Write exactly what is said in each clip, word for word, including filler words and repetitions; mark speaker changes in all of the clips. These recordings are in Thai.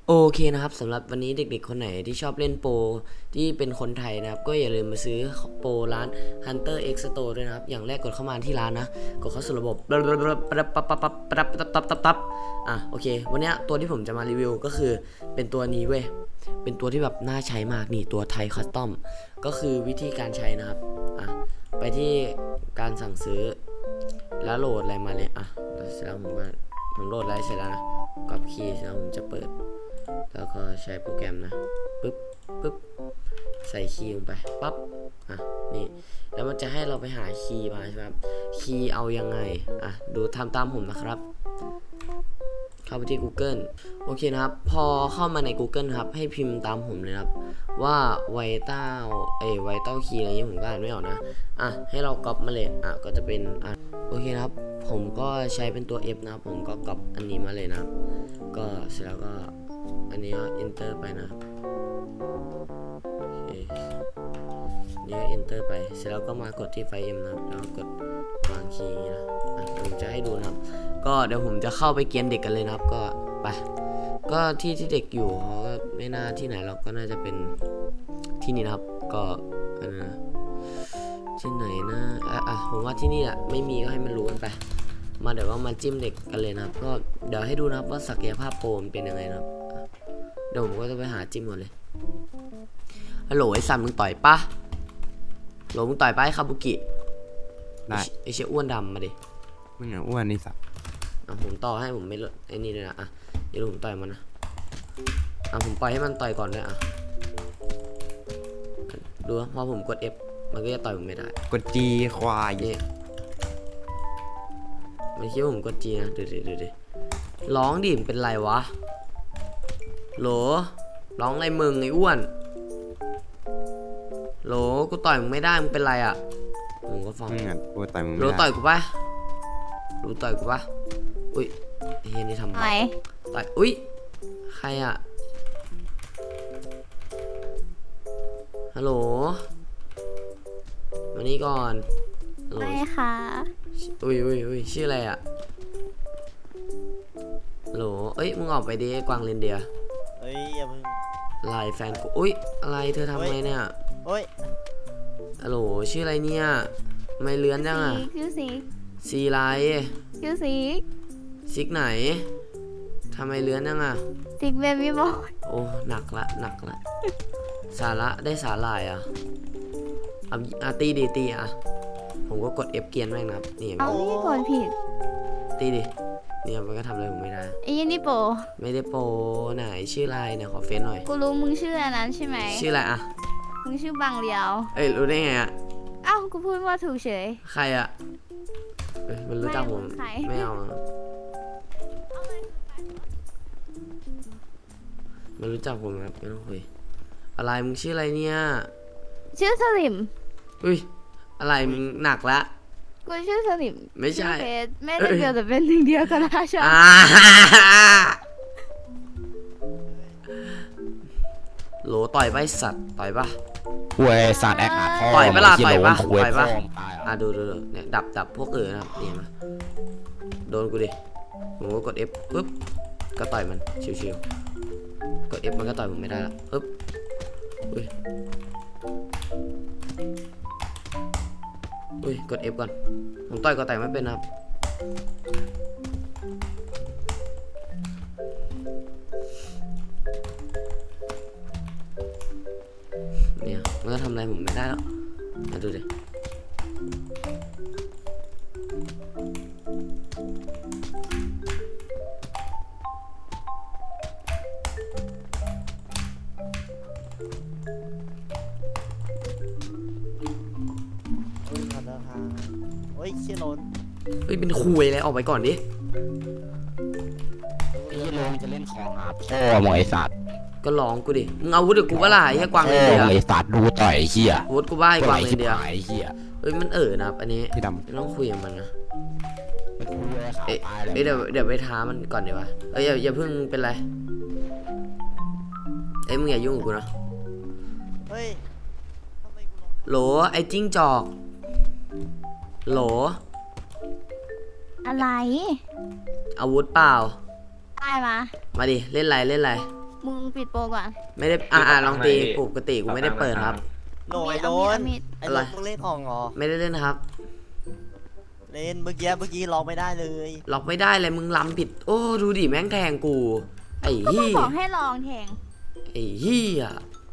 Speaker 1: โอเคนะครับสำหรับวันนี้เด็กๆคนไหนที่ชอบเล่นโปรที่เป็นคนไทยนะครับก็อย่าลืมมาซื้อโปรร้าน Hunter X Store ด้วยนะครับอย่างแรกกดเข้ามาที่ร้านนะกดเข้าสู่ระบบปั๊บปั๊บปั๊บปั๊บปั๊บปั๊บปั๊บปั๊บปั๊บอ่ะโอเควันนี้ตัวที่ผมจะมารีวิวก็คือเป็นตัวนี้เว้ยเป็นตัวที่แบบน่าใช้มากนี่ตัวไทยคัสตอมก็คือวิธีการใช้นะครับอ่ะไปที่การสั่งซื้อแล้วโหลดอะไรมาเลยอ่ะเสร็จแล้วผมก็ผมโหลดอะไรเสร็จแล้วนะกดคีย์แล้วผมจะเปิดแล้วก็ใช้โปรแกรมนะปึ๊บปึ๊บใส่คีย์ลงไปปั๊บอ่ะนี่แล้วมันจะให้เราไปหาคีย์มาใช่ไหมครับคีย์เอายังไงอ่ะดูทำตามผมนะครับเข้าไปที่ Google โอเคนะครับพอเข้ามาใน Google ครับให้พิมพ์ตามผมเลยครับว่าไวต้าเอ้ไวต้าคีย์อะไรเงี้ยผมก็อ่านไม่ออกนะอ่ะให้เราก๊อปมาเลยอ่ะก็จะเป็นอ่ะโอเคนะครับผมก็ใช้เป็นตัว F นะครับผมก็ก๊อปอันนี้มาเลยนะครับก็เสร็จแล้วก็อันนี้ก็ enter ไปนะโอเคนี่ก็ enter ไปเสร็จแล้วก็มากดที่ไฟล์ M นะครับแล้วก็กดวางคีย์นะอ่ะผมจะให้ดูนะครับก็เดี๋ยวผมจะเข้าไปเกียนเด็กกันเลยนะครับก็ไปก็ที่ที่เด็กอยู่เขาก็ไม่น่าที่ไหนเราก็น่าจะเป็นที่นี่นะครับก็อันนะที่ไหนนะอ่ะอ่ะผมว่าที่นี่แหละไม่มีก็ให้มันรู้กันไปมาเดี๋ยวว่ามาจิ้มเด็กกันเลยนะครับก็เดี๋ยวให้ดูนะครับว่าศักยภาพโปรมันเป็นยังไงนะครับเดี๋ยวผมก็จะไปหาจิ้มก่อนเลยฮัลโหลไอ้สันมึงต่อยปะฮัลโหลมึงต่อยปะไอ้คาบุกิได้ไอ้เชี่ยอ้วนดำมาดิ
Speaker 2: มึงอ่ะอ้วนนี่สัตว์
Speaker 1: อ่ะผมต่อให้ผมไม่ลดไอ้นี่เลยนะอ่ะเดี๋ยวผมต่อยมันนะอ่ะผมปล่อยให้มันต่อยก่อนด้วยอ่ะดูพอผมกด F มันก็จะต่อยผมไม่ได้
Speaker 2: กดจีควาย
Speaker 1: นี่มันคิดว่าผมกด G นะดูดิดูดิร้องดิมเป็นไรวะโหลร้องอะไรมึงไอ้อ้วนโหลกูต่อยมึงไม่ได้มึงเป็นไรอ่ะผมก็ฟัง
Speaker 2: มึงอ่ะกูต่อยมึง
Speaker 1: โหลต่อยกูปะโหลต่อยกูปะอุ้ยเฮียนี่ทำไมต่อยอุ้ยใครอ่ะฮัลโหลมานี่ก่อน
Speaker 3: ไม่ค่ะ
Speaker 1: อุ้ยอุ้ยอุ้ยชื่ออะไรอ่ะฮัลโหลเอ้ยมึงออกไปดิกวางเรนเดีย
Speaker 4: เอ้ยอย่าเพิ่ง
Speaker 1: ไลน์แฟนกูอุ้ยอะไรเธอทำไงเนี่ย
Speaker 4: โอ้ย
Speaker 1: ฮัลโหลชื่ออะไรเนี่ยไม่เลื้อนจังอ่ะ
Speaker 3: ชื่อซิก
Speaker 1: ซีไล
Speaker 3: ชื่อซิก
Speaker 1: ซิกไหนทำไมเลื้อนจังอ่ะ
Speaker 3: ซิกเบบี้บอย
Speaker 1: โอ้หนักละหนักละสาระได้สาหร่ายอ่ะอ่ะตีดิตีอ่ะผมก็กด F เกียนแม่งนะครับนี่
Speaker 3: เอานี่กดผิด
Speaker 1: ตีดิเนี่ยมันก็ทำอะไรผมไม่ได้
Speaker 3: ไอ้ยันนี่โป
Speaker 1: ไม่ได้โปไหนชื่ออะไรเนี่ยขอเฟซหน่อย
Speaker 3: กูรู้มึงชื่ออันนั้นใช่ไหม
Speaker 1: ชื่ออะไรอ่ะ
Speaker 3: มึงชื่อบางเลียว
Speaker 1: เอ้ยรู้ได้ไงอ่ะ
Speaker 3: อ้าวกูพูดว่าถูกเฉย
Speaker 1: ใครอ่ะเอ้ยมันรู้จักผมไม่เอามันรู้จักผมครับไม่ต้องคุยอะไรมึงชื่ออะไรเนี่ย
Speaker 3: ชื่อสลิม
Speaker 1: อุ้ยอะไรมึงหนักละ
Speaker 3: กูชื่อสลิม
Speaker 1: ไม่ใช่
Speaker 3: ไม่ได้เดียวแต่เป็นหนึ่งเดียวกันนะชอบ
Speaker 1: โหลต่อยไปสัตว์ต่อยปะ
Speaker 2: เว้ยสัตว์แอคอาร์
Speaker 1: ต่อยปะล่ะต่อยปะต่อยปะอ่ะดูดูเนี่ยดับดับพวกเออนะครับนี่มาโดนกูดิผมก็กด F ปุ๊บก็ต่อยมันชิวๆกด F มันก็ต่อยผมไม่ได้ละปุ๊บอุ้ยอุ้ยกด F ก่อนผมต่อยก็ต่อยไม่เป็นครับเนี่ยมันก็ทำอะไรผมไม่ได้แล้วมาดูดิ
Speaker 4: โอ้ยเชี่ยโนน
Speaker 1: เฮ้ยเป็นคุยเลยออกไปก่อนดิ
Speaker 2: ไอ้ยี่โลงจะเล่นของหาพ่อมึงไอ้สัตว์
Speaker 1: ก็ลองกูดิมึงเอาวุฒิกูว่าล่ะไอ้กวางเลยเดีย
Speaker 2: ไอ้สัตว์ดูต่อยไอ้เหี้ย
Speaker 1: วุฒิกูบ้าไอ้กวางเลยเดีย
Speaker 2: ไอ้เหี้ย
Speaker 1: เฮ้ยมันเอ๋อนะอันนี้
Speaker 2: พี่ดำ
Speaker 1: ไม่ต้องคุยกับมันนะ
Speaker 2: ไม่คุยเลยขาตายเลย
Speaker 1: เดี๋ยวเดี๋ยวไปท้ามันก่อนเดี๋ยววะเอ้ยอย่าอย่าเพิ่งเป็นไรเอ้ยมึงอย่ายุ่งกับกูนะ
Speaker 4: เฮ้ย
Speaker 1: โหลไอ้จิ้งจอกโหล
Speaker 3: อะไร
Speaker 1: อาวุธเปล่า
Speaker 3: ได้มา
Speaker 1: มาดิเล่นไรเล่นไร
Speaker 3: มึงปิดโปรก่อน
Speaker 1: ไม่ได้อ่าอ่าลองตีปกติกูไม่ได้เปิดครับ
Speaker 4: โหน่อยโดน
Speaker 3: เอามีด
Speaker 4: ไอ้
Speaker 1: อะไร
Speaker 4: โดนมึงเล่นของเหรอ
Speaker 1: ไม่ได้เล่นนะครับ
Speaker 4: เล่นเมื่อกี้เมื่อกี้ร้องไม่ได้เลย
Speaker 1: ล็อกไม่ได้เลยมึงล้ำผิด โอ้ดูดิแม่งแทงกู ไอ้
Speaker 3: ก็มึง
Speaker 1: เหี้ย
Speaker 3: บอกให้ลองแทง
Speaker 1: ไอ้เหี้ย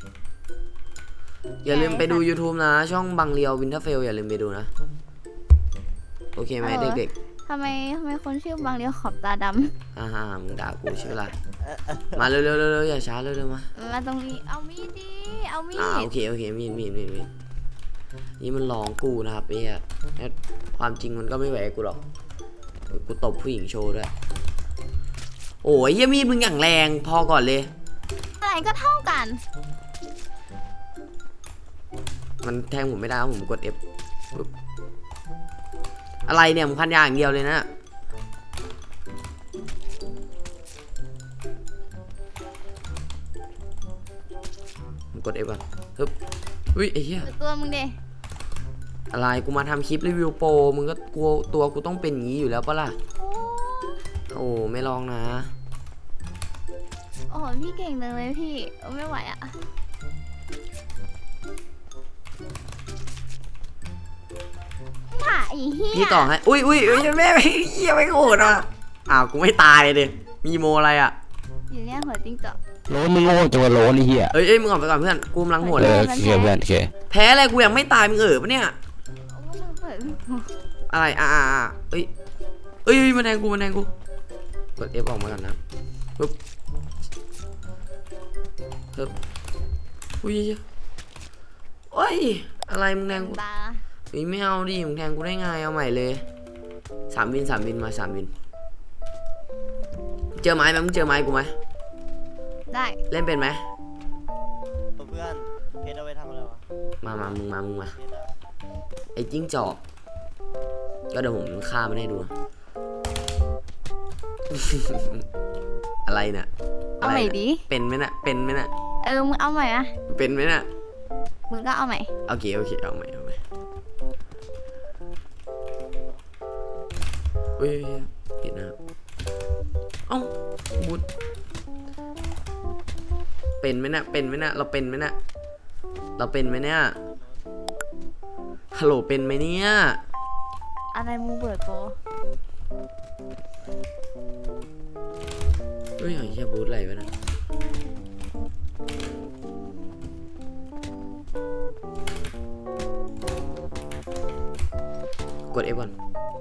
Speaker 1: อย่าลืมไปดู YouTube นะ ช่องบังเรียววินเทอร์เฟลอย่าลืมไปดูนะ โอเคไหมเด็ก
Speaker 3: ทำไมทำไมคนชื่อบางเรียวขอบตาด
Speaker 1: ๆอ่าฮะมึงด่ากูใช่ไหมล่ะมาเร็วๆเร็วๆอย่าช้าเร็วๆมา
Speaker 3: ำมาตรงนี้เอามีดดิเอามี
Speaker 1: อ่า
Speaker 3: ด
Speaker 1: โอเคโอเคมีดมีดมีดมีดนี่มันหลองกูนะครับไอ้เหี้ยแล้วความจริงมันก็ไม่ไหวกับกูหรอกเดี๋ยวกูตบผู้หญิงโชว์ด้วยโอ้ยเหี้ยมีดมึงอย่างแรงพอก่อนเลย
Speaker 3: อะไรก็เท่ากัน
Speaker 1: มันแทงผมไม่ได้ครับผมกด F ปึ๊บอะไรเนี่ยมึงพันยาอย่างเดียวเลยนะผมกด F ก่อนฮึบอุ้ยไอ้เหี้ย
Speaker 3: ตัวมึงเด
Speaker 1: อะไรกูมาทำคลิปรีวิวโปรมึงก็กลัวตัวกูต้องเป็นอย่างนี้อยู่แล้วปะล่ะ
Speaker 3: โอ้
Speaker 1: โอ้ไม่ลองนะ
Speaker 3: โอ้โหพี่เก่งจังเลยพี่เออไม่ไหวอ่ะถ่าไอ้เหี้ย
Speaker 1: พี่ต่อให้อุ้ยอุ้ยอุ้ยแม่ไม่เหี้ยไม่โกรธอ่ะอ้าวกูไม่ตายเลยดิมีโมอะไรอ่ะ
Speaker 3: อยู่เนี่ยหัวจิ้งจอก
Speaker 2: โลนมึงโง่จังวะโลนไอ้เหี้ย
Speaker 1: เอ้ยเอ้ยมึงออกไปก่อนเพื่อนกูกำลังโหด
Speaker 2: เอ
Speaker 1: เลย
Speaker 2: อโอเคเพื่อนโอเค
Speaker 1: แพ้อะไรกูยังไม่ตายมึงเออปะเนี่ย
Speaker 3: โอ้มึงเปิด
Speaker 1: อะไรอ่าอ่าอ่าเอ้ยเอ้ยเอ้ยมาแทงกูมาแทงกูกด F ออกมาก่อนนะปึ๊บปึ๊บอุ้ยโอ้ยอะไรมึงแทงกู
Speaker 3: ตา
Speaker 1: เฮ้ยไม่เอาดิมึงแทงกูได้ไงเอาใหม่เลยสามวินสามวินมาสามวินเจอไม้ไหมมึงเจอไม้กูไหม
Speaker 3: ได้
Speaker 1: เล่นเป็นไหม
Speaker 4: เพื่อนเพชรเอาไว้ทำอะไรวะ
Speaker 1: มามามึงมามึงมา
Speaker 4: เพชรอะ
Speaker 1: ไอ้จิ้งจอกก็เดี๋ยวผมฆ่ามันให้ดูนะ อะไรเนี่ย
Speaker 3: เอา
Speaker 1: อะไร
Speaker 3: ใหม่
Speaker 1: เนี่ย
Speaker 3: ดิ
Speaker 1: เป็นไหมน่ะเป็นไหมน่ะ
Speaker 3: เออมึงเอาใหม่อะ
Speaker 1: เป็นไหมน่ะ
Speaker 3: มึงก็เอาใหม่
Speaker 1: โอเคโอเคเอาใหม่เอาใหม่เฮ้ยปิดนะครับเอ้าบุดเป็นไหมน่ะเป็นไหมน่ะเราเป็นไหมน่ะเราเป็นไหมเนี่ยฮัลโหลเป็นไหมเนี่ย
Speaker 3: อะไรมึงเปิดโปร
Speaker 1: เฮ้ยไอ้เหี้ยบูทอะไรวะนะกด F ก่อน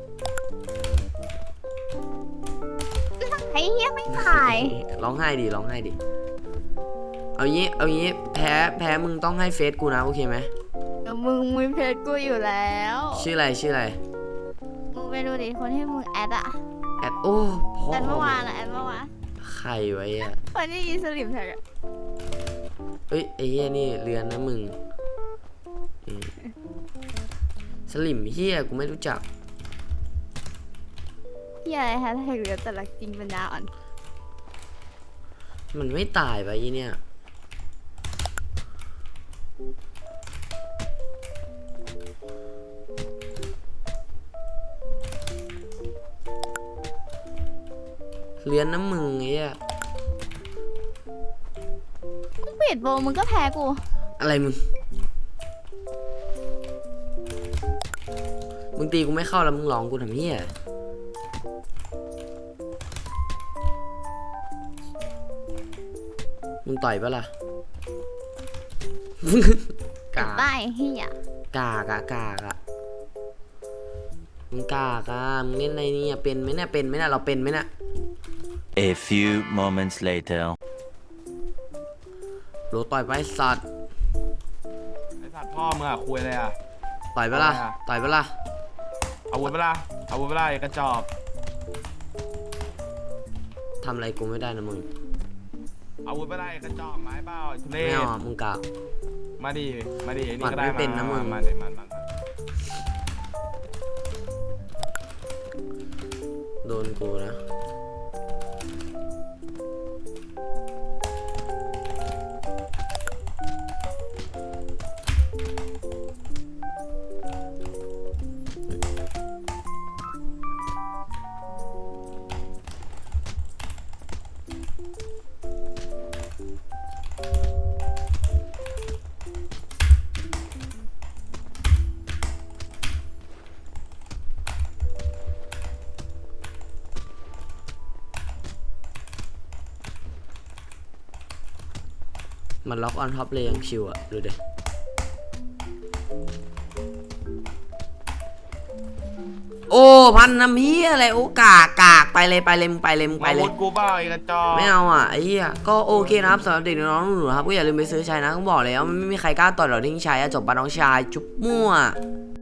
Speaker 3: ไอ้เหี้ยไม่ตาย
Speaker 1: ร้องไห้ดิร้องไห้ดิเอางี้เอางี้แพ้แพ้มึงต้องให้เฟซกูนะโอเคไหม
Speaker 3: เออมึงมีเพจกูอยู่แล้ว
Speaker 1: ชื่ออะไรชื่ออะไร
Speaker 3: มึงไปดูดิคนที่มึงแอดอะ
Speaker 1: แอดโอ้พ่อ
Speaker 3: แอดเมื่อวานอะแอดเมื่อวาน
Speaker 1: ใครไว้อะ
Speaker 3: คนที่ยีสลิมแท็กอะ
Speaker 1: เอ้ยไอ้เหี้ยนี่เรือนนะมึงอืมสลิมเหี้ยกูไม่รู้จัก
Speaker 3: เหี้ยอะไรฮะแท็กเหลือแต่ละจริงปัญญาอ่อน
Speaker 1: มันไม่ตายไปอีเนี่ยเรือนน้ำมึงไอ้เหี้ย
Speaker 3: มึงปิดโปรมึงก็แพ้กู
Speaker 1: อะไรมึง มึงตีกูไม่เข้าแล้วมึงร้องกูทำเหี้ยมึงต่อยปะล่ะ กา
Speaker 3: ได้เหี้ย
Speaker 1: กากะกากะมึงกากะมึงเล่นอะไรเนี่ยเป็นไหมเนี่ยเป็นไหมเนี่ยเราเป็นไหมเนี่ย
Speaker 5: A few moments later.
Speaker 1: โหลต่อยไปสัตว์
Speaker 6: ไอสัตว์พ่อมึงอะคุยเลยอะ
Speaker 1: ต่อยปะล่ะ
Speaker 6: อะไรอะ
Speaker 1: ต่อยปะล่ะ
Speaker 6: อาวุธเวลาอาวุธเวลาไอ้กระจอก
Speaker 1: ทำอะไรกูไม่ได้นะมึง
Speaker 6: อาวุธเวลาไอ้กระจอกไม้เปล่าไอ้ทุเร
Speaker 1: ไม่
Speaker 6: ศ
Speaker 1: เอาอะมึงกาก
Speaker 6: มาดิมาดิไอ้
Speaker 1: หมั
Speaker 6: นี่
Speaker 1: ด
Speaker 6: ก็ได้
Speaker 1: ไม่เป็นนะมึง
Speaker 6: มาดิมามามา
Speaker 1: โดนกูนะมันล็อกออนท็อปเลยยังชิวอะดูดิโอ้พันน้ำเฮียอะไรโอ้กากกากไปเลยไปเลยมึงไปเลยมึงไป
Speaker 6: อา
Speaker 1: เล
Speaker 6: วุ
Speaker 1: ย
Speaker 6: ธกูเปล่าไอ้กระจอก
Speaker 1: ไม่เอาอ่ะไอ้เหี้ยก็โอเคนะครับสำหรับเด็กน้องๆหนูๆครับก็อย่าลืมไปซื้อใช้นะต้องบอกเลยว่ามันไม่มีใครกล้าต่อยหรอกที่ใช้อะจบปะน้องชายจุ๊บมั่ว